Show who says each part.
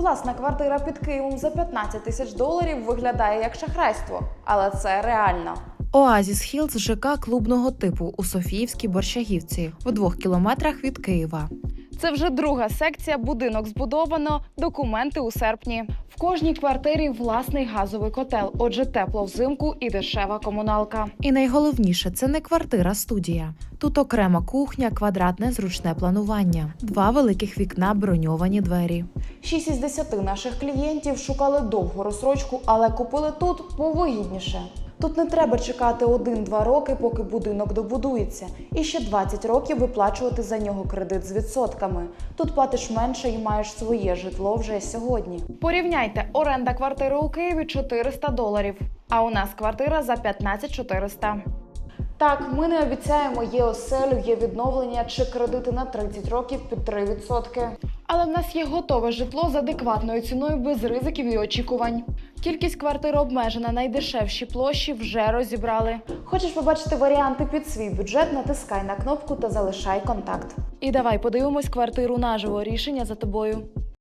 Speaker 1: Власна квартира під Києвом за 15 тисяч доларів виглядає як шахрайство, але це реально.
Speaker 2: Оазіс Хілз – ЖК клубного типу у Софіївській Борщагівці, в 2 кілометрах від Києва.
Speaker 1: Це вже друга секція, будинок збудовано, документи у серпні. В кожній квартирі власний газовий котел, отже тепло взимку і дешева комуналка.
Speaker 2: І найголовніше – це не квартира-студія. Тут окрема кухня, квадратне зручне планування, 2 великих вікна, броньовані двері.
Speaker 1: 6 із 10 наших клієнтів шукали довгу розстрочку, але купили тут повигідніше. Тут не треба чекати 1-2 роки, поки будинок добудується, і ще 20 років виплачувати за нього кредит з відсотками. Тут платиш менше і маєш своє житло вже сьогодні. Порівняйте, оренда квартири у Києві $400, а у нас квартира за 15 400. Так, ми не обіцяємо є оселю, є відновлення чи кредити на 30 років під 3%. Але в нас є готове житло з адекватною ціною без ризиків і очікувань. Кількість квартир обмежена, найдешевші площі вже розібрали. Хочеш побачити варіанти під свій бюджет, натискай на кнопку та залишай контакт. І давай подивимось квартиру наживо, рішення за тобою.